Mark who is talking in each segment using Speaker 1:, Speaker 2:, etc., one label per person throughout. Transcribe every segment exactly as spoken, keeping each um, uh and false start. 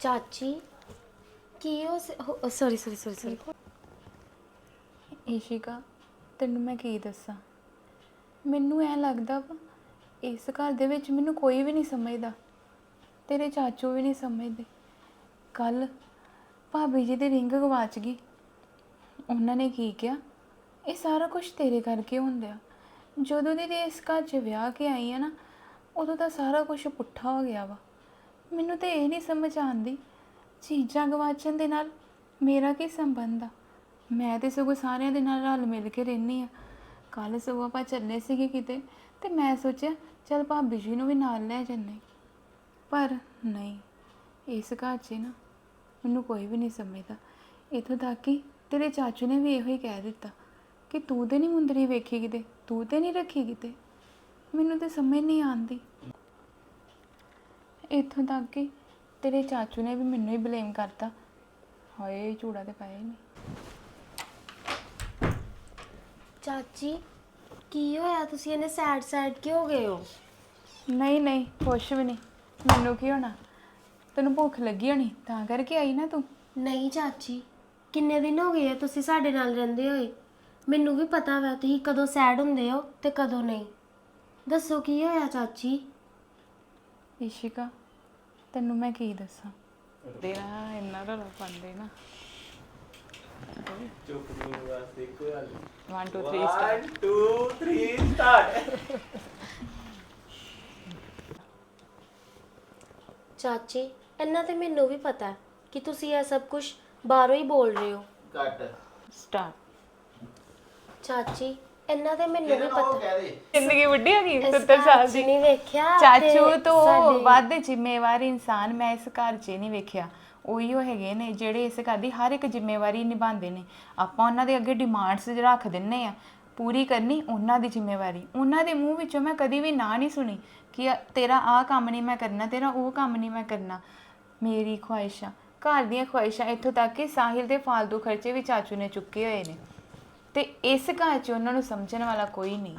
Speaker 1: ਚਾਚੀ ਕੀ ਹੋ sorry sorry sorry sorry
Speaker 2: Ishika ਤੈਨੂੰ ਮੈਂ ਕੀ ਦੱਸਾਂ। ਮੈਨੂੰ ਐ ਲੱਗਦਾ ਵਾ ਇਸ ਘਰ ਦੇ ਵਿੱਚ ਮੈਨੂੰ ਕੋਈ ਵੀ ਨਹੀਂ ਸਮਝਦਾ, ਤੇਰੇ ਚਾਚੂ ਵੀ ਨਹੀਂ ਸਮਝਦੇ। ਕੱਲ ਭਾਬੀ ਜੀ ਦੀ ਰਿੰਗ ਗਵਾਚ ਗਈ, ਉਹਨਾਂ ਨੇ ਕੀ ਕਿਹਾ ਇਹ ਸਾਰਾ ਕੁਝ ਤੇਰੇ ਕਰਕੇ ਹੁੰਦਾ। ਜਦੋਂ ਦੀ ਇਸ ਘਰ 'ਚ ਵਿਆਹ ਕੇ ਆਈ ਆ ਨਾ ਉਦੋਂ ਦਾ ਸਾਰਾ ਕੁਝ ਪੁੱਠਾ ਹੋ ਗਿਆ ਵਾ। ਮੈਨੂੰ ਤਾਂ ਇਹ ਨਹੀਂ ਸਮਝ ਆਉਂਦੀ ਚੀਜ਼ਾਂ ਗਵਾਚਣ ਦੇ ਨਾਲ ਮੇਰਾ ਕੀ ਸੰਬੰਧ ਆ। ਮੈਂ ਤਾਂ ਸਗੋਂ ਸਾਰਿਆਂ ਦੇ ਨਾਲ ਰਲ ਮਿਲ ਕੇ ਰਹਿੰਦੀ ਹਾਂ। ਕੱਲ੍ਹ ਸਗੋਂ ਆਪਾਂ ਚੱਲੇ ਸੀਗੇ ਕਿਤੇ ਅਤੇ ਮੈਂ ਸੋਚਿਆ ਚੱਲ ਭਾਬੀ ਜੀ ਨੂੰ ਵੀ ਨਾਲ ਲੈ ਜਾਂਦੇ, ਪਰ ਨਹੀਂ, ਇਸ ਘਰ 'ਚ ਨਾ ਮੈਨੂੰ ਕੋਈ ਵੀ ਨਹੀਂ ਸਮਝਦਾ। ਇੱਥੋਂ ਤੱਕ ਕਿ ਤੇਰੇ ਚਾਚੂ ਨੇ ਵੀ ਇਹੋ ਹੀ ਕਹਿ ਦਿੱਤਾ ਕਿ ਤੂੰ ਤਾਂ ਨਹੀਂ ਮੁੰਦਰੀ ਵੇਖੀ ਕਿਤੇ, ਤੂੰ ਤਾਂ ਨਹੀਂ ਰੱਖੀ ਕਿਤੇ। ਮੈਨੂੰ ਤਾਂ ਸਮਝ ਨਹੀਂ ਆਉਂਦੀ। ਇੱਥੋਂ ਤੱਕ ਕਿ ਤੇਰੇ ਚਾਚੂ ਨੇ ਵੀ ਮੈਨੂੰ ਹੀ ਬਲੇਮ ਕਰਤਾ। ਹਾਏ ਝੂੜਾ ਤਾਂ ਪਾਇਆ ਹੀ ਨਹੀਂ।
Speaker 1: ਚਾਚੀ ਕੀ ਹੋਇਆ, ਤੁਸੀਂ ਇਹਨੇ ਸੈਡ ਸੈਡ ਕਿਉਂ ਹੋ ਗਏ ਹੋ?
Speaker 2: ਨਹੀਂ ਨਹੀਂ ਕੁਛ ਵੀ ਨਹੀਂ, ਮੈਨੂੰ ਕੀ ਹੋਣਾ, ਤੈਨੂੰ ਭੁੱਖ ਲੱਗੀ ਹੋਣੀ ਤਾਂ ਕਰਕੇ ਆਈ ਨਾ ਤੂੰ।
Speaker 1: ਨਹੀਂ ਚਾਚੀ, ਕਿੰਨੇ ਦਿਨ ਹੋ ਗਏ ਆ ਤੁਸੀਂ ਸਾਡੇ ਨਾਲ ਰਹਿੰਦੇ ਹੋਏ। ਮੈਨੂੰ ਵੀ ਪਤਾ ਵਾ ਤੁਸੀਂ ਕਦੋਂ ਸੈਡ ਹੁੰਦੇ ਹੋ ਤੇ ਕਦੋਂ ਨਹੀਂ। ਦੱਸੋ ਕੀ ਹੋਇਆ ਚਾਚੀ?
Speaker 2: ਈਸ਼ਿਕਾ ਤੈਨੂੰ ਮੈਂ ਕੀ ਦੱਸਾਂ, ਤੇਰਾ ਇੰਨਾ ਰੌਲਾ ਪਾਉਂਦੇ ਨਾ।
Speaker 3: ਚੁੱਪ ਨੂੰ ਬਸ ਇੱਕੋ ਗੱਲ
Speaker 2: one two three start
Speaker 3: one two three start।
Speaker 1: ਚਾਚੀ ਇੰਨਾ ਤੇ ਮੈਨੂੰ ਵੀ ਪਤਾ ਹੈ ਕਿ ਤੁਸੀਂ ਇਹ ਸਭ ਕੁਝ ਬਾਹਰੋਂ ਹੀ ਬੋਲ ਰਹੇ ਹੋ।
Speaker 3: ਕੱਟ
Speaker 2: start।
Speaker 1: ਚਾਚੀ ਇੰਨਾ ਤੇ ਮੈਨੂੰ ਵੀ ਪਤਾ
Speaker 3: ਕਹਿ ਦੇ
Speaker 2: ਜ਼ਿੰਦਗੀ ਵੱਡੀ ਹੋ ਗਈ
Speaker 1: ਇਸ
Speaker 2: ਸੱਤਰ
Speaker 1: ਘਰ
Speaker 2: ਸਾਲ
Speaker 1: 'ਚ
Speaker 2: ਦੀ।
Speaker 1: ਨਹੀਂ ਵੇਖਿਆ
Speaker 2: ਚਾਚੂ
Speaker 1: ਤੇ
Speaker 2: ਤੋਂ
Speaker 1: ਸਾਡੇ-
Speaker 2: ਵੱਧ ਜ਼ਿੰਮੇਵਾਰ ਇਨਸਾਨ ਮੈਂ ਇਸ ਘਰ 'ਚ ਨਹੀਂ ਵੇਖਿਆ। ਉਹੀ ਉਹ ਹੈਗੇ ਨੇ ਜਿਹੜੇ ਇਸ ਘਰ ਦੀ ਹਰ ਇੱਕ ਜ਼ਿੰਮੇਵਾਰੀ ਨਿਭਾਉਂਦੇ ਨੇ। ਆਪਾਂ ਉਹਨਾਂ ਦੇ ਅੱਗੇ ਡਿਮਾਂਡਸ ਰੱਖ ਦਿੰਨੇ ਆ, ਪੂਰੀ ਕਰਨੀ ਉਹਨਾਂ ਦੀ ਜ਼ਿੰਮੇਵਾਰੀ। ਉਹਨਾਂ ਦੇ ਮੂੰਹ ਵਿੱਚੋਂ ਮੈਂ ਕਦੀ ਵੀ ਨਾ ਨਹੀਂ ਸੁਣੀ ਕਿ ਤੇਰਾ ਆਹ ਕੰਮ ਨਹੀਂ ਮੈਂ ਕਰਨਾ, ਤੇਰਾ ਉਹ ਕੰਮ ਨਹੀਂ ਮੈਂ ਕਰਨਾ। ਮੇਰੀ ਖੁਆਇਸ਼ਾਂ, ਘਰ ਦੀਆਂ ਖੁਆਇਸ਼ਾਂ, ਇੱਥੋਂ ਤੱਕ ਕਿ ਸਾਹਿਲ ਦੇ ਫਾਲਤੂ ਖਰਚੇ ਵੀ ਚਾਚੂ ਨੇ ਚੁੱਕੇ ਹੋਏ ਨੇ ਤੇ ਇਸ ਘਰ 'ਚ ਉਹਨਾਂ ਨੂੰ ਸਮਝਣ ਵਾਲਾ ਕੋਈ ਨਹੀਂ।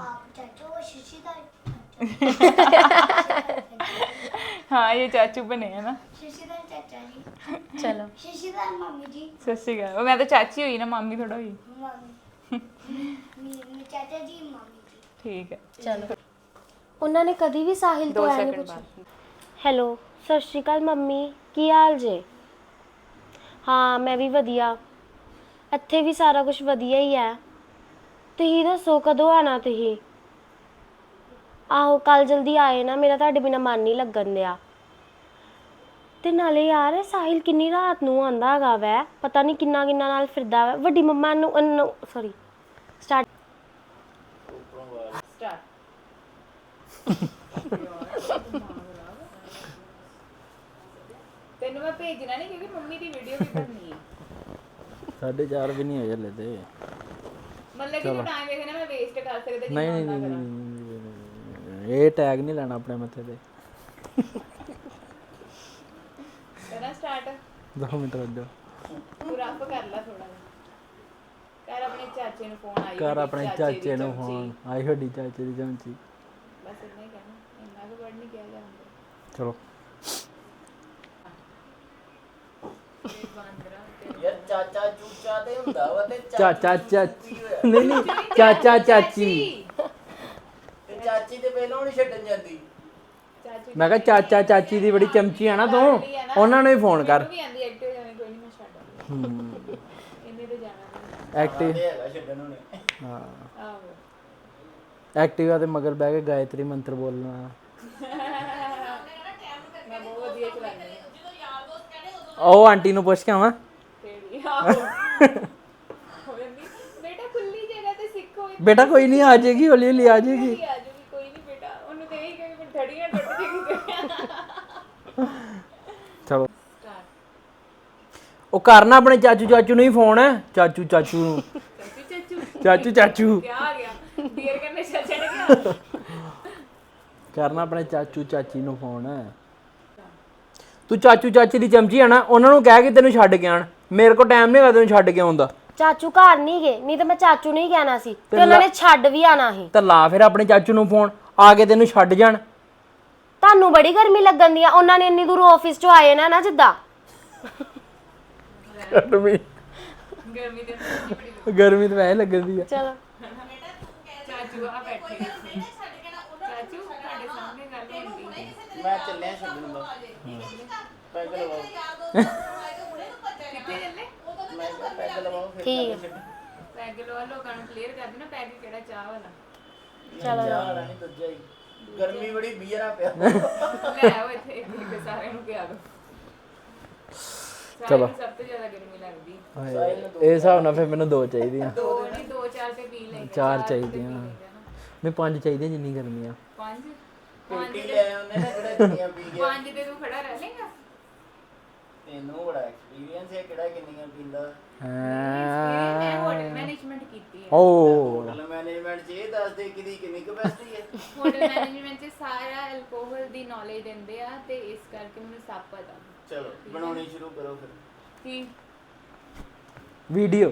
Speaker 2: हाँ ये चाचू बने हैं ना।
Speaker 4: शशिधर चाचा जी।
Speaker 2: चलो
Speaker 4: शशिधर मम्मी जी।
Speaker 2: सत श्री अकाल। मैं तो चाची हुई ना, मामी थोड़ा हुई।
Speaker 4: मम्मी मेरे चाचा जी मम्मी जी।
Speaker 2: ठीक है
Speaker 1: ਚਲੋ ਉਹਨਾਂ ਨੇ ਕਦੀ ਵੀ ਸਾਹਿਲ
Speaker 2: दो
Speaker 1: ਤੋਂ ਐ ਨਹੀਂ
Speaker 2: सेकंड
Speaker 1: ਪੁੱਛਿਆ।
Speaker 2: बाद।
Speaker 1: ਹੈਲੋ ਸਤਿ ਸ਼੍ਰੀ ਅਕਾਲ ਮੰਮੀ, ਕੀ ਹਾਲ ਜੇ? ਹਾਂ ਮੈਂ ਵੀ ਵਧੀਆ, ਇੱਥੇ ਵੀ ਸਾਰਾ ਕੁਝ ਵਧੀਆ ਹੀ ਹੈ। ਤੁਸੀਂ ਦੱਸੋ ਕਦੋਂ ਆਣਾ ਤੁਸੀਂ? ਆਹੋ ਕੱਲ ਜਲਦੀ ਆਏ ਨਾ, ਮੇਰਾ ਤੁਹਾਡੇ ਬਿਨਾ ਮਨ ਨਹੀਂ ਲੱਗਣ ਦਿਆ। ਤੇ ਨਾਲੇ ਯਾਰ ਸਾਹਿਲ ਕਿੰਨੀ ਰਾਤ ਨੂੰ ਆਂਦਾ ਹੈਗਾ ਵੈ, ਪਤਾ ਨਹੀਂ ਕਿੰਨਾ ਕਿੰਨਾ ਨਾਲ ਫਿਰਦਾ ਵੈ। ਵੱਡੀ ਮੰਮਾ ਨੂੰ ਸੌਰੀ ਸਟਾਰਟ
Speaker 2: स्टार्ट। ਤੈਨੂੰ ਮੈਂ ਭੇਜਣਾ ਨਹੀਂ ਕਿਉਂਕਿ ਮੰਮੀ ਦੀ ਵੀਡੀਓ ਵੀ ਕਰਨੀ ਹੈ।
Speaker 3: ਸਾਢੇ ਚਾਰ ਵੀ ਨਹੀਂ ਹੋਏ ਹਲੇ ਤੇ।
Speaker 2: ਮਤਲਬ ਕਿ ਤੂੰ ਟਾਈਮ ਵੇਖਣਾ ਮੈਂ ਵੇਸਟ ਕਰ ਸਕਦਾ
Speaker 3: ਨਹੀਂ ਨਹੀਂ ਨਹੀਂ ਨਹੀਂ, ਇਹ ਟੈਗ ਨਹੀਂ ਲੈਣਾ ਆਪਣੇ ਮੱਥੇ ਤੇ।
Speaker 2: ਕਰਾਂ ਸਟਾਰਟ।
Speaker 3: ਦੋ ਮਿੰਟ ਰੁਕ ਜਾ।
Speaker 2: ਤੂੰ ਰੱਬ ਕਰ ਲੈ ਥੋੜਾ ਜਿਹਾ। ਕਰ ਆਪਣੇ ਚਾਚੇ ਨੂੰ ਫੋਨ ਆਈ
Speaker 3: ਕਰ ਆਪਣੇ ਚਾਚੇ ਨੂੰ ਫੋਨ ਆਈ, ਵੱਡੀ ਚਾਚੇ ਦੀ ਚਮਚੀ।
Speaker 2: ਬਸ ਇੰਨਾ ਹੀ ਕਹਿਣਾ, ਇੰਨਾ ਕੁ ਵਰਡ ਨਹੀਂ ਕਿਹਾ ਜਾਂਦਾ।
Speaker 3: ਚਲੋ
Speaker 5: ਯਾਰ ਚਾਚਾ ਚੂਚਾ ਤੇ ਹੁੰਦਾ ਵਾ ਤੇ
Speaker 3: ਚਾਚਾ ਚਾਚੀ ਨਹੀਂ ਨਹੀਂ ਚਾਚਾ ਚਾਚੀ।
Speaker 5: ਤੇ ਚਾਚੀ ਤੇ ਪਹਿਲਾਂ ਨਹੀਂ ਛੱਡਣ ਜਾਂਦੀ।
Speaker 3: ਮੈਂ ਕਿਹਾ ਚਾਚਾ ਚਾਚੀ ਦੀ ਬੜੀ ਚਮਚੀ ਆ ਨਾ ਤੂੰ, ਉਹਨਾਂ ਨੂੰ ਹੀ ਫੋਨ ਕਰ।
Speaker 2: ਵੀ ਆਂਦੀ ਐਕਟਿਵ ਜਾਣੇ ਕੋਈ ਨਹੀਂ, ਮੈਂ ਛੱਡ
Speaker 3: ਹੂੰ
Speaker 2: ਇੰਨੇ ਤੇ ਜਾਣਾ
Speaker 3: ਐਕਟਿਵ
Speaker 5: ਤੇ ਹੈਗਾ ਛੱਡਣ ਉਹਨੇ।
Speaker 3: ਹਾਂ
Speaker 2: ਨਹੀਂ। ਆਹੋ
Speaker 3: ਐਕਟਿਵਾ ਤੇ ਮਗਰ ਬਹਿ ਕੇ ਗਾਇਤਰੀ ਮੰਤਰ ਬੋਲਣਾ।
Speaker 2: ਮੈਂ ਬਹੁਤ ਵਧੀਆ ਚਲਾਉਂਦੀ ਹਾਂ।
Speaker 3: ਉਹ ਆਂਟੀ ਨੂੰ ਪੁੱਛ ਕੇ ਆਵਾਂ।
Speaker 2: ਕਿਹੜੀ? ਆਹੋ ਹੋ ਜਾਂਦੀ ਬੇਟਾ, ਖੁੱਲੀ ਜਗ੍ਹਾ ਤੇ ਸਿੱਖੋ।
Speaker 3: ਬੇਟਾ ਕੋਈ ਨਹੀਂ, ਆ ਜਾਏਗੀ, ਹੌਲੀ ਹੌਲੀ ਆ ਜਾਏਗੀ।
Speaker 2: ਆ ਜੂਗੀ ਕੋਈ ਨਹੀਂ ਬੇਟਾ, ਉਹਨੂੰ ਤੇ ਇਹੀ ਕਹੇ ਕਿ ਧੜੀਆਂ ਟੁੱਟ ਜਾਏਗੀ।
Speaker 3: ਚਲੋ ਉਹ ਕਰਨਾ ਆਪਣੇ ਚਾਚੂ ਚਾਚੂ ਨੂੰ ਹੀ ਫੋਨ। ਚਾਚੂ ਚਾਚੂ ਨੂੰ
Speaker 2: ਚਾਚੂ ਚਾਚੂ
Speaker 3: ਚਾਚੂ ਚਾਚੂ
Speaker 2: ਕੀ ਆ ਗਿਆ, ਬੀਅਰ ਕਰਨੇ ਚੱਲ ਚੜ ਗਿਆ।
Speaker 3: ਕਰਨਾ ਆਪਣੇ ਚਾਚੂ ਚਾਚੀ ਨੂੰ ਫੋਨ। ਤੂੰ ਚਾਚੂ ਚਾਚੀ ਦੀ ਚਮਚੀ ਆ ਨਾ, ਉਹਨਾਂ ਨੂੰ ਕਹਿ ਕੇ ਤੈਨੂੰ ਛੱਡ ਕੇ ਆਣ। ਮੇਰੇ ਕੋਲ ਟਾਈਮ ਨਹੀਂ ਹੈਗਾ ਤੈਨੂੰ ਛੱਡ ਕੇ ਆਉਣ ਦਾ।
Speaker 1: ਚਾਚੂ ਘਰ ਨਹੀਂ ਗਏ, ਨਹੀਂ ਤਾਂ ਮੈਂ ਚਾਚੂ ਨਹੀਂ ਕਹਿਣਾ ਸੀ ਤੇ ਉਹਨਾਂ ਨੇ ਛੱਡ ਵੀ ਆਣਾ ਸੀ।
Speaker 3: ਤਾਂ ਲਾ ਫਿਰ ਆਪਣੇ ਚਾਚੂ ਨੂੰ ਫੋਨ, ਆ ਕੇ ਤੈਨੂੰ ਛੱਡ ਜਾਣ।
Speaker 1: ਤੁਹਾਨੂੰ ਬੜੀ ਗਰਮੀ ਲੱਗਣ ਦੀ ਆ, ਉਹਨਾਂ ਨੇ ਇੰਨੀ ਦੂਰੋਂ ਆਫਿਸ ਚੋਂ ਆਏ ਨਾ ਨਾ ਜਿੱਦਾਂ
Speaker 3: ਗਰਮੀ
Speaker 2: ਗਰਮੀ ਦੇ ਵਿੱਚ ਬੜੀ
Speaker 3: ਗਰਮੀ ਤਾਂ ਵੈਸੇ ਲੱਗਦੀ ਆ
Speaker 1: ਚਲੋ
Speaker 2: ਚਾਚੂ ਆ ਬੈਠੇ ਚਾਚੂ ਤੁਹਾਡੇ ਸਾਹਮਣੇ ਗੱਲ ਹੁੰਦੀ
Speaker 5: ਮੈਂ ਚੱਲਿਆ ਛੱਡਣ ਦਾ ਪੈਗ ਲਵਾਓ
Speaker 2: ਕਿੱਥੇ ਚੱਲੇ
Speaker 5: ਮੈਂ ਕਿਹਾ ਪੈਗ ਲਵਾਓ ਫਿਰ
Speaker 1: ਠੀਕ
Speaker 5: ਛੱਡ
Speaker 2: ਪੈਗ ਲਵਾ ਲੋਕਾਂ ਨੂੰ ਕਲੀਅਰ ਕਰ ਦੇਣਾ ਪੈਗ ਕਿਹੜਾ ਚਾਹ ਵਾਲਾ
Speaker 5: ਚਲੋ ਚਾਹ ਵਾਲਾ ਨਹੀਂ ਦੂਜਾ ਹੀ ਗਰਮੀ ਬੜੀ ਬੀਅਰਾ ਪਿਆ
Speaker 2: ਲੈ ਆਓ ਇੱਥੇ ਇੱਕ ਇੱਕ ਸਾਰਿਆਂ ਨੂੰ ਪਿਆ ਦੋ
Speaker 3: ਚਲੋ।
Speaker 2: ਸਭ ਤੋਂ ਜ਼ਿਆਦਾ ਗਰਮੀ ਲੱਗਦੀ
Speaker 3: ਹਾਏ, ਇਹ ਹਿਸਾਬ ਨਾਲ ਫਿਰ ਮੈਨੂੰ ਦੋ ਚਾਹੀਦੀਆਂ
Speaker 2: ਦੋ ਨਹੀਂ ਦੋ ਚਾਰ ਤੇ ਪੀ ਲੈਂਗੇ
Speaker 3: ਚਾਰ ਚਾਹੀਦੀਆਂ ਨਹੀਂ ਪੰਜ ਚਾਹੀਦੀਆਂ ਜਿੰਨੀ ਗਰਮੀ ਆ
Speaker 2: ਪੰਜ
Speaker 5: ਪੇਟੀ ਲੈ ਆਉਂਦੇ ਨਾ ਕਿਹੜਾ ਕਿੰਨੀਆਂ ਪੀ ਗਿਆ
Speaker 2: ਪੰਜ ਤੇ ਤੂੰ ਖੜਾ ਰਹਿ ਲੇਗਾ
Speaker 5: ਤੈਨੂੰ ਬੜਾ ਐਕਸਪੀਰੀਅੰਸ ਹੈ ਕਿਹੜਾ ਕਿੰਨੀਆਂ ਪੀਂਦਾ
Speaker 2: ਮੈਂ ਹੋਟਲ ਮੈਨੇਜਮੈਂਟ ਕੀਤੀ ਹੈ
Speaker 3: ਓ
Speaker 5: ਹੋਟਲ ਮੈਨੇਜਮੈਂਟ 'ਚ ਇਹ ਦੱਸ ਦੇ ਕਿਹਦੀ ਕਿੰਨੀ ਕਪੈਸਿਟੀ ਹੈ
Speaker 2: ਹੋਟਲ ਮੈਨੇਜਮੈਂਟ 'ਚ ਸਾਰਾ ਐਲਕੋਹਲ ਦੀ ਨੌਲੇਜ ਦਿੰਦੇ ਆ ਤੇ ਇਸ ਕਰਕੇ ਮੈਨੂੰ ਸਭ ਪਤਾ
Speaker 5: ਚਲੋ ਬਣਾਉਣੀ ਸ਼ੁਰੂ ਕਰੋ ਫਿਰ
Speaker 2: ਕੀ
Speaker 3: ਵੀਡੀਓ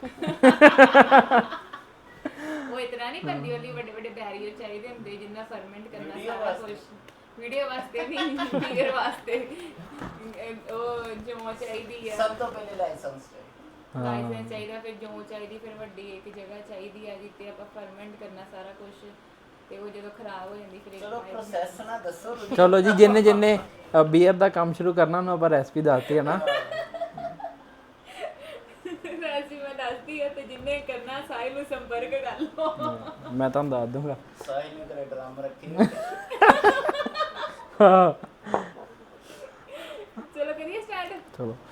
Speaker 2: ਉਹ ਇਤਨਾ ਨਹੀਂ ਬੰਦੀ ਵਾਲੀ ਵੱਡੇ ਵੱਡੇ ਬੈਰੀਅਰ ਚਾਹੀਦੇ ਹੁੰਦੇ ਜਿੰਨਾ ਫਰਮੈਂਟ ਕਰਨਾ
Speaker 5: Video
Speaker 2: ਸਾਰਾ
Speaker 5: ਵਾਸਤੇ।
Speaker 2: ਕੁਝ ਵੀਡੀਓ ਵਾਸਤੇ ਨਹੀਂ ਫਿਗਰ ਵਾਸਤੇ ਅਹ ਉਹ ਜੋ ਚਾਹੀਦੀ ਆ
Speaker 5: ਸਭ ਤੋਂ ਪਹਿਲੇ ਲਾਇਸੈਂਸ ਚਾਹੀਦਾ
Speaker 2: ਲਾਇਸੈਂਸ ਚਾਹੀਦਾ ਫਿਰ ਜੋ ਚਾਹੀਦੀ ਫਿਰ ਵੱਡੀ ਇੱਕ ਜਗ੍ਹਾ ਚਾਹੀਦੀ ਆ ਜਿੱਥੇ ਆਪਾਂ ਫਰਮੈਂਟ ਕਰਨਾ ਸਾਰਾ ਕੁਝ ਤੇ ਉਹ ਜਦੋਂ ਖਰਾਬ ਹੋ ਜਾਂਦੀ ਫਿਰ ਇੱਕ
Speaker 5: ਚਲੋ ਪ੍ਰੋਸੈਸ ਨਾ ਦੱਸੋ ਤੁਸੀਂ।
Speaker 3: ਚਲੋ ਜੀ ਜਿੰਨੇ ਜਿੰਨੇ ਬੀਅਰ ਦਾ ਕੰਮ ਸ਼ੁਰੂ ਕਰਨਾ ਉਹਨੂੰ ਆਪਾਂ ਰੈਸਪੀ ਦੱਸਤੀ ਹੈ ਨਾ
Speaker 2: ਵੈਸੇ ਮੈਂ ਦੱਸਦੀ ਆ ਤੇ ਜਿੰਨੇ ਕਰਨਾ ਸਾਹਿਲ ਨੂੰ ਸੰਪਰਕ ਕਰ ਲਓ
Speaker 3: ਮੈਂ ਤੁਹਾਨੂੰ ਦੱਸ ਦੂੰਗਾ
Speaker 5: ਸਾਹਿਲ ਨੇ ਕਰੇ ਡਰਾਮ ਰੱਖੇ
Speaker 3: ਹਾਂ
Speaker 2: ਚਲੋ ਕਰੀਏ ਸਟਾਰਟ
Speaker 3: ਚਲੋ